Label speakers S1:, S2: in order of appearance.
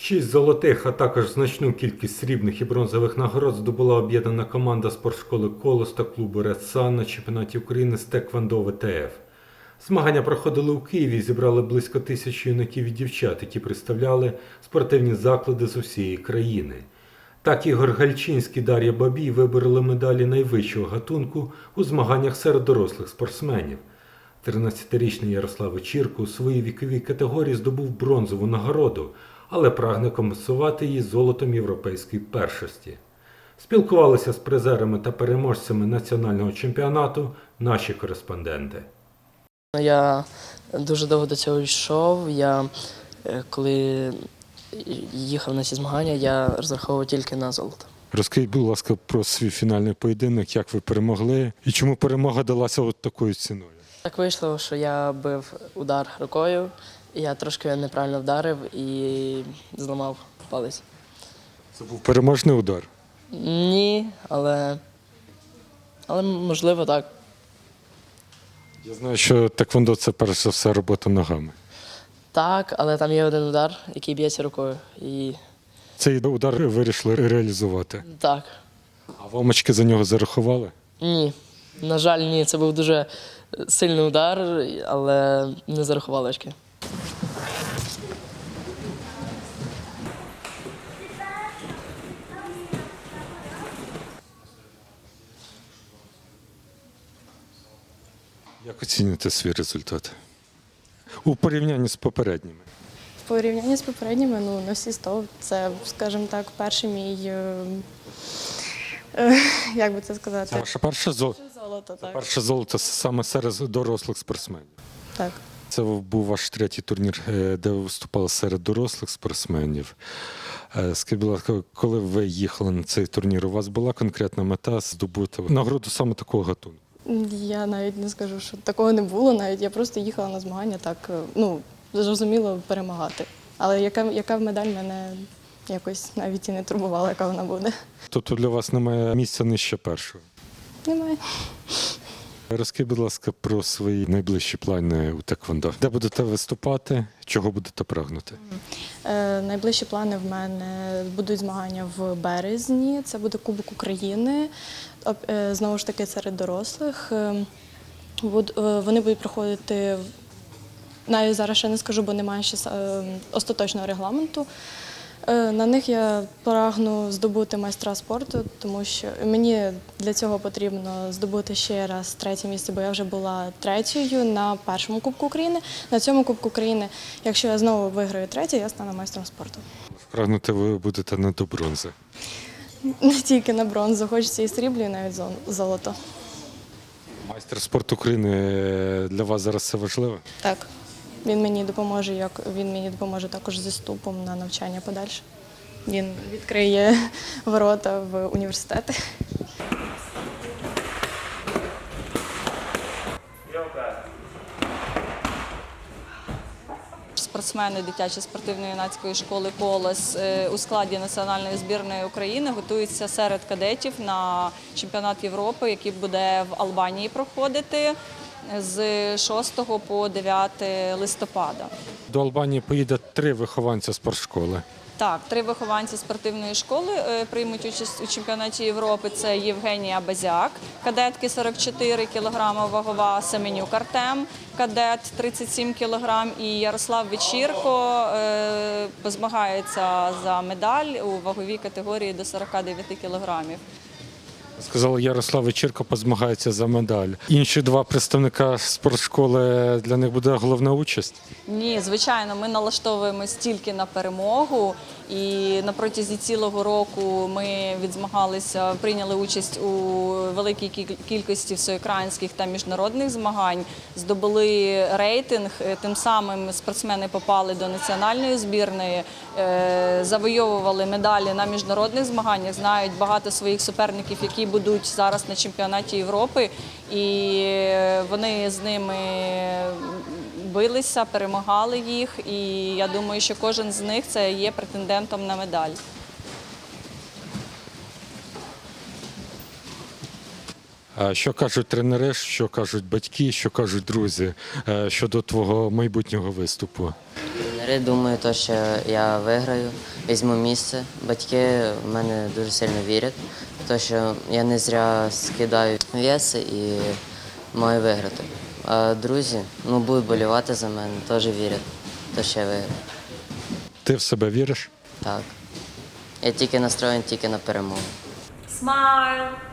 S1: 6 золотих, а також значну кількість срібних і бронзових нагород здобула об'єднана команда спортшколи «Колос» та клубу «Ред Сан» на чемпіонаті України з Теквондо ВТФ. Змагання проходили у Києві і зібрали близько 1000 юнаків і дівчат, які представляли спортивні заклади з усієї країни. Так Ігор Гальчинський, Дар'я Бабій вибороли медалі найвищого гатунку у змаганнях серед дорослих спортсменів. 13-річний Ярослав Вечірко у своїй віковій категорії здобув бронзову нагороду, але прагне компенсувати її золотом європейської першості. Спілкувалися з призерами та переможцями національного чемпіонату наші кореспонденти.
S2: Я дуже довго до цього йшов. Коли їхав на ці змагання, я розраховував тільки на золото.
S1: Розкажіть, будь ласка, про свій фінальний поєдинок, як ви перемогли і чому перемога далася от такою ціною?
S2: Так вийшло, що я бив удар рукою, і я трошки неправильно вдарив і зламав палець.
S1: Це був переможний удар?
S2: Ні, але можливо так.
S1: Я знаю, що теквондо – це перш за все робота ногами.
S2: Так, але там є один удар, який б'ється рукою. І
S1: Цей удар ви вирішили реалізувати.
S2: так.
S1: А вам очки за нього зарахували?
S2: Ні. На жаль, ні. Це був дуже сильний удар, але не зарахували очки.
S1: Як оцінюєте свій результат? У порівнянні з попередніми?
S3: В порівнянні з попередніми, на всі 100, це, скажімо так, перший мій, як би це сказати?
S1: Це ваше перше золото?
S3: Золото, так.
S1: Перше золото саме серед дорослих спортсменів.
S3: Так.
S1: Це був ваш третій турнір, де ви виступали серед дорослих спортсменів. Скажіть, будь ласка, коли ви їхали на цей турнір, у вас була конкретна мета здобути нагороду саме такого гатунку?
S3: Я навіть не скажу, що такого не було навіть. Я просто їхала на змагання так, зрозуміло, перемагати. Але яка медаль мене якось навіть і не турбувала, яка вона буде.
S1: Тобто для вас немає місця нижче першого?
S3: Немає.
S1: Розкажіть, будь ласка, про свої найближчі плани у теквондо. Де будете виступати, чого будете прагнути?
S3: Найближчі плани в мене будуть змагання в березні. Це буде Кубок України. Знову ж таки, серед дорослих. Вони будуть проходити, навіть зараз ще не скажу, бо немає ще остаточного регламенту. На них я прагну здобути майстра спорту, тому що мені для цього потрібно здобути ще раз третє місце, бо я вже була третьою на першому Кубку України. На цьому Кубку України, якщо я знову виграю третє, я стану майстром спорту.
S1: Прагнути ви будете не до бронзи.
S3: Не тільки на бронзу, хочеться і срібло, і навіть золото.
S1: Майстер спорту України для вас зараз це важливо?
S3: Так. Він мені допоможе також зі вступом на навчання подальше. Він відкриє ворота в університети.
S4: Спортсмени дитячої спортивно-юнацької школи «Колос» у складі національної збірної України готуються серед кадетів на чемпіонат Європи, який буде в Албанії проходити з 6 по 9 листопада.
S1: До Албанії поїде 3 вихованця спортшколи.
S4: Так, 3 вихованці спортивної школи приймуть участь у чемпіонаті Європи. Це Євгенія Базяк, кадетки 44 кг вагова, Семенюк Артем, кадет 37 кг, і Ярослав Вечірко позмагається за медаль у ваговій категорії до 49 кг.
S1: Сказали, Ярослав Вечірко позмагається за медаль. Інші 2 представника спортшколи, для них буде головна участь?
S4: Ні, звичайно, ми налаштовуємось тільки на перемогу. І на протязі цілого року ми відзмагалися, прийняли участь у великій кількості всеукраїнських та міжнародних змагань, здобули рейтинг, тим самим спортсмени попали до національної збірної, завойовували медалі на міжнародних змаганнях, знають багато своїх суперників, які будуть зараз на чемпіонаті Європи, і вони з ними билися, перемагали їх, і я думаю, що кожен з них це є претендентом на медаль.
S1: А що кажуть тренери, що кажуть батьки, що кажуть друзі щодо твого майбутнього виступу?
S5: Тренери думаю, то, що я виграю, візьму місце. Батьки в мене дуже сильно вірять, то, що я не зря скидаю вес і маю виграти. А друзі будуть болівати за мене, теж вірять, то, що я виграю.
S1: Ти в себе віриш?
S5: Так. Я тільки настроєний тільки на перемогу.
S6: Smile.